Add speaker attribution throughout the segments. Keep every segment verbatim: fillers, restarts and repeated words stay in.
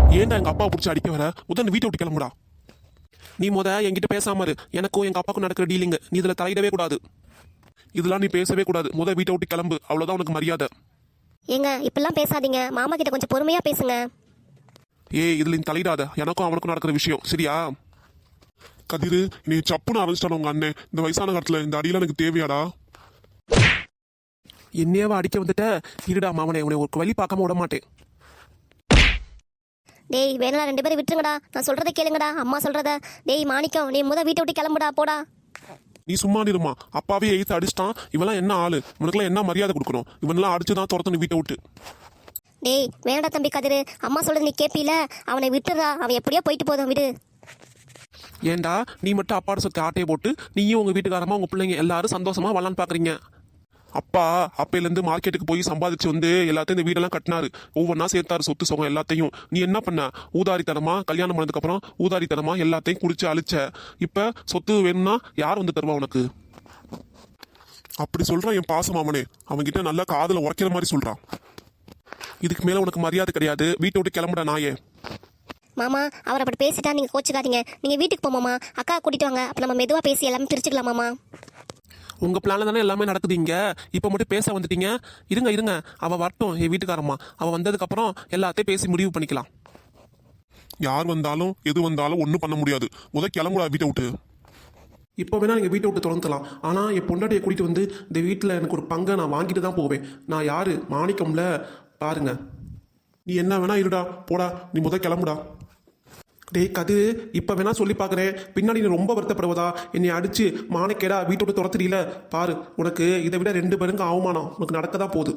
Speaker 1: ஏன்டா எங்கள் அப்பாவை பிடிச்சி அடிக்க வர? முதல்ல வீட்டை விட்டு கிளம்புடா. நீ முத என்கிட்ட பேசாம இரு. எனக்கும் எங்கள் அப்பாவுக்கும் நடக்கிற டீலிங் நீ இதில் தலையிடவே கூடாது. இதெல்லாம் நீ பேசவே கூடாது. முத வீட்டை விட்டு கிளம்பு. அவ்வளோதான் உனக்கு மரியாதை.
Speaker 2: ஏங்க இப்பெல்லாம் பேசாதீங்க, மாமா கிட்ட கொஞ்சம் பொறுமையாக பேசுங்க.
Speaker 1: ஏய், இதில் நீ தலையிடாத. எனக்கும் அவனுக்கும் நடக்கிற விஷயம், சரியா? கதிரு, நீ சப்புன்னு ஆரம்பிச்சிட்டான உங்க அண்ணன். இந்த வயசான காலத்தில் இந்த அடியெல்லாம் எனக்கு தேவையாடா? என்னையவா அடிக்க வந்துட்ட? இருடா மாமனே, உன்னை ஒரு வழி பார்க்காம விட மாட்டேன்.
Speaker 2: டேய் வேணா ரெண்டு பேரும் விட்டுருங்கடா, நான் சொல்றதை கேளுங்கடா, அம்மா சொல்றத. டேய் மாணிக்கம், நீ முத வீட்டை விட்டு கிளம்புடா, போடா.
Speaker 1: நீ சும்மா நிருமா. அப்பாவே எழுத்து அடிச்சிட்டான். இவெல்லாம் என்ன ஆளு? இவனுக்குலாம் என்ன மரியாதை கொடுக்கணும்? இவனெல்லாம் அடிச்சுதான் துரத்தணும் வீட்டை விட்டு.
Speaker 2: டேய் வேணடா தம்பி கதிரு, அம்மா சொல்றது நீ கேட்பீல, அவனை விட்டுறா. அவன் எப்படியோ போயிட்டு போதும், விடு.
Speaker 1: ஏண்டா நீ மட்டும் அப்பாட சொத்தை ஆட்டையை போட்டு நீயும் உங்க வீட்டுக்காரமா உங்க பிள்ளைங்க எல்லாரும் சந்தோஷமா வரலான்னு பாக்குறீங்க? அப்பா அப்பையிலேருந்து மார்க்கெட்டுக்கு போய் சம்பாதிச்சு வந்து எல்லாத்தையும் இந்த வீடெல்லாம் கட்டினாரு. ஒவ்வொன்றா சேர்த்தாரு சொத்து சுகம் எல்லாத்தையும். நீ என்ன பண்ண? ஊதாரித்தனமா கல்யாணம் பண்ணதுக்கு அப்புறம் ஊதாரித்தனமா எல்லாத்தையும் குடிச்சு அழிச்ச. இப்ப சொத்து வேணும்னா யார் வந்து தருவா உனக்கு? அப்படி சொல்றான் என் பாச மாமனே. அவன்கிட்ட நல்லா காதுல உரைக்கிற மாதிரி சொல்றான். இதுக்கு மேல உனக்கு மரியாதை கிடையாது. வீட்டை விட்டு கிளம்புட நாயே.
Speaker 2: மாமா அவர் அப்படி பேசிட்டா நீங்க கோச்சுக்காதீங்க. நீங்க வீட்டுக்கு போமாமா, அக்கா கூட்டிட்டு வாங்க. அப்ப நம்ம மெதுவா பேசி எல்லாமே பிரிச்சுக்கலாம் மாமா.
Speaker 1: உங்க பிளான்ல தானே எல்லாமே நடக்குது இங்க. இப்ப மட்டும் பேச வந்துட்டீங்க. இருங்க இருங்க, அவ வரட்டும் என் வீட்டுக்காரம்மா. அவ வந்ததுக்கு அப்புறம் எல்லாத்தையும் பேசி முடிவு பண்ணிக்கலாம். யார் வந்தாலும் எது வந்தாலும் ஒன்றும் பண்ண முடியாது. முத கிளம்புடா வீட்டை விட்டு. இப்போ வேணா நீங்கள் வீட்டை விட்டு தொடர்ந்துலாம். ஆனால் என் பொண்டாட்டியை கூட்டிகிட்டு வந்து இந்த வீட்டில் எனக்கு ஒரு பங்கை நான் வாங்கிட்டு தான் போவேன். நான் யாரு? மாணிக்கம்ல. பாருங்க, நீ என்ன வேணா இருடா, போடா. நீ முத கிளம்புடா. டேய் கதிரு, இப்போ வேணா சொல்லி பார்க்குறேன். பின்னாடி நீ ரொம்ப வருத்தப்படுவதா? என்னை அடிச்சு மாணிக்கேடா வீட்டை விட்டு துரத்துறீல பாரு. உனக்கு இதை விட ரெண்டு பேருக்கு அவமானம் உனக்கு நடக்க தான் போகுது.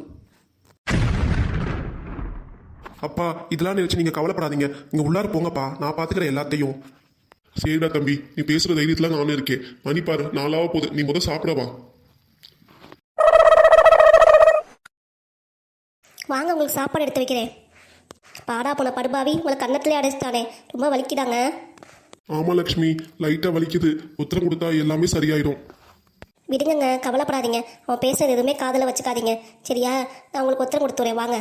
Speaker 1: அப்பா இதெல்லாம் நினைச்சு நீங்கள் கவலைப்படாதீங்க. இங்கே உள்ளார போங்கப்பா, நான் பார்த்துக்கிறேன் எல்லாத்தையும். சரிடா தம்பி, நீ பேசுகிற தைரியத்தில் நானும் இருக்கேன். மணி பாரு நாளாவ போகுது. நீ முதல் சாப்பிடவா.
Speaker 2: வாங்க, உங்களுக்கு சாப்பாடு எடுத்து வைக்கிறேன். பாடா போன படுபாவி, உங்களை கன்னத்திலே அடைச்சிட்டானே, ரொம்ப வலிக்குதாங்க.
Speaker 1: ஆமா லக்ஷ்மி, லைட்டா வலிக்குது. உத்தரம் கொடுத்தா எல்லாமே சரியாயிடும்.
Speaker 2: விடுங்கங்க, கவலைப்படாதீங்க. அவன் பேசுறது எதுவுமே காதில் வச்சுக்காதீங்க, சரியா? நான் உங்களுக்கு உத்தரம் கொடுத்துறேன், வாங்க.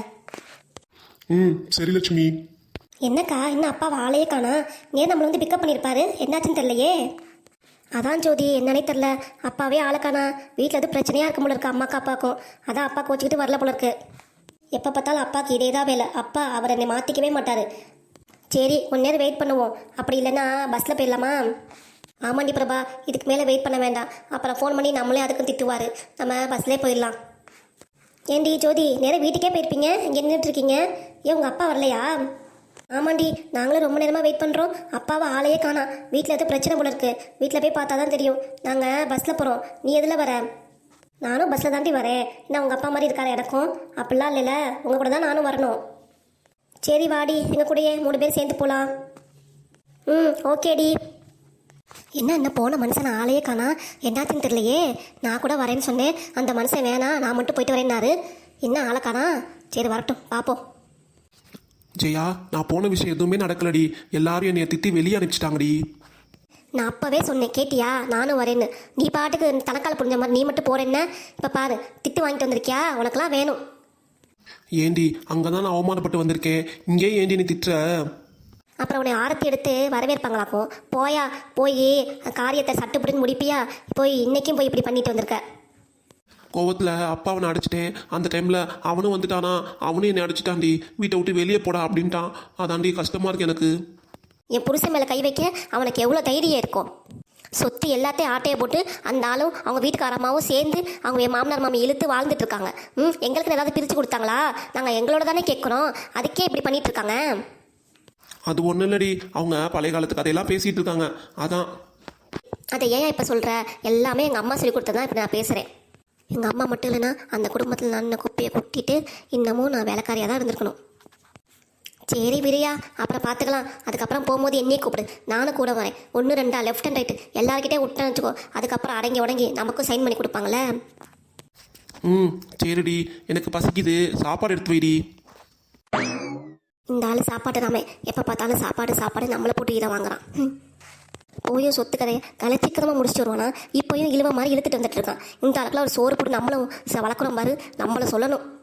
Speaker 1: ம் சரி லட்சுமி.
Speaker 2: என்னக்கா இன்னும் அப்பா ஆளையே காணா? ஏன் நம்மளை வந்து பிக்கப் பண்ணியிருப்பாரு, என்னாச்சுன்னு தெரியலையே. அதான் ஜோதி, என்னன்னே தெரில. அப்பாவே ஆளை காணா. வீட்டில் எதுவும் பிரச்சனையாக இருக்க போல இருக்கு அம்மாக்கு அப்பாவுக்கும். அதான் அப்பா கோச்சிக்கிட்டு வரல போல இருக்கு. எப்போ பார்த்தாலும் அப்பாவுக்கு இதே தான் வேலை. அப்பா அவர் என்னை மாற்றிக்கவே மாட்டார். சரி கொஞ்ச நேரம் வெயிட் பண்ணுவோம். அப்படி இல்லைன்னா பஸ்ஸில் போயிடலாமா? ஆமாண்டி பிரபா, இதுக்கு மேலே வெயிட் பண்ண வேண்டாம். அப்புறம் ஃபோன் பண்ணி நம்மளே அதுக்கும் திட்டுவார். நம்ம பஸ்லேயே போயிடலாம். ஏண்டி ஜோதி, நேரம் வீட்டுக்கே போயிருப்பீங்க, இங்கே நின்றுட்டுருக்கீங்க. ஏன் உங்கள் அப்பா வரலையா? ஆமாண்டி, நாங்களும் ரொம்ப நேரமாக வெயிட் பண்ணுறோம். அப்பாவை ஆளையே காணா. வீட்டில் எதுவும் பிரச்சனை போல இருக்குது. வீட்டில் போய் பார்த்தா தான் தெரியும். நாங்கள் பஸ்ஸில் போகிறோம். நீ எதில் வர? நானும் பஸ்ஸில் தாண்டி வரேன். என்ன உங்கள் அப்பா மாதிரி இருக்காரு எனக்கும்? அப்படிலாம் இல்லைல்ல, உங்கள் கூட தான் நானும் வரணும். சரி வாடி, எங்கள் கூடயே மூணு பேர் சேர்ந்து போகலாம். ம் ஓகேடி. என்ன என்ன போன மனுஷன் ஆளையே காணா, என்னாச்சுன்னு தெரியலையே. நான் கூட வரேன்னு சொன்னேன். அந்த மனுஷன் வேணாம், நான் மட்டும் போயிட்டு வரேன்னாரு. என்ன ஆளை காணா? சரி வரட்டும், பார்ப்போம்.
Speaker 1: ஜெயா, நான் போன விஷயம் எதுவுமே நடக்கலடி. எல்லாரும் என்னைய திட்டி வெளியே அனுப்பிச்சிட்டாங்கடி.
Speaker 2: நான் அப்போவே சொன்னேன், கேட்டியா? நானும் வரேன்னு. நீ பாட்டுக்கு தனக்கால் புரிஞ்ச மாதிரி நீ மட்டும் போறேன்னு. இப்போ பாரு, திட்டு வாங்கிட்டு வந்திருக்கியா? உனக்கெல்லாம் வேணும்.
Speaker 1: ஏண்டி, அங்கே தான் நான் அவமானப்பட்டு வந்திருக்கேன். இங்கே ஏண்டி நீ திட்டுற?
Speaker 2: அப்புறம் உன்னை ஆரத்தி எடுத்து வரவேற்பாங்களாக்கும். போயா, போய் காரியத்தை சட்டுப்படின்னு முடிப்பியா? போய் இன்னைக்கும் போய் இப்படி பண்ணிட்டு வந்திருக்க.
Speaker 1: கோவத்தில் அப்பாவை நான் அடிச்சிட்டேன். அந்த டைமில் அவனும் வந்துட்டானா, அவனும் என்னை அடிச்சிட்டான்டி. வீட்டை விட்டு வெளியே போடா அப்படின்ட்டான். அதாண்டி கஷ்டமாக இருக்கு எனக்கு.
Speaker 2: என் புருஷன் மேலே கை வைக்க அவனுக்கு எவ்வளோ தைரியம் இருக்கும்? சொத்து எல்லாத்தையும் ஆட்டையை போட்டு அந்த ஆளும் அவங்க வீட்டுக்காரமாவும் சேர்ந்து அவங்க என் மாமனார் மாமி இழுத்து வாழ்ந்துட்டு இருக்காங்க. ம் எங்களுக்கு ஏதாவது பிரித்து கொடுத்தாங்களா? நாங்கள் எங்களோட தானே கேட்குறோம். அதுக்கே இப்படி பண்ணிட்டு இருக்காங்க.
Speaker 1: அது ஒன்றும் இல்லடி, அவங்க பழைய காலத்து கதையெல்லாம் பேசிகிட்டு இருக்காங்க, அதான்.
Speaker 2: அதை ஏன் இப்போ சொல்கிற? எல்லாமே எங்கள் அம்மா சொல்லி கொடுத்ததான் இப்போ நான் பேசுகிறேன். எங்கள் அம்மா மட்டும் இல்லைன்னா அந்த குடும்பத்தில் நான் குப்பையை கொட்டிட்டு இன்னமும் நான் வேலைக்காரியாக தான் இருந்திருக்கணும். சரி விரியா, அப்புறம் பார்த்துக்கலாம். அதுக்கப்புறம் போகும்போது என்னையே கூப்பிடு, நானும் கூட வரேன். ஒன்று ரெண்டா லெஃப்ட் அண்ட் ரைட்டு எல்லாருக்கிட்டே விட்டேன்னு வச்சுக்கோ. அதுக்கப்புறம் அடங்கி உடங்கி நமக்கும் சைன் பண்ணி கொடுப்பாங்களே.
Speaker 1: ம் சரிடி, எனக்கு பசிக்குது, சாப்பாடு எடுத்து வைடி.
Speaker 2: இந்த ஆள் சாப்பாடு நாம எப்போ பார்த்தாலும் சாப்பாடு சாப்பாடு நம்மளை போட்டு இதை வாங்குறான். போயும் சொத்து கதையை கலச்சிக்கரமாக முடிச்சுட்டு வருவானா? இப்போயும் இழுவ மாதிரி இழுத்துட்டு வந்துட்டு இருக்கான். இந்த ஆளுக்குலாம் ஒரு சோறு போட்டு நம்மளும் வளர்க்குறோம் பாரு, நம்மளை சொல்லணும்.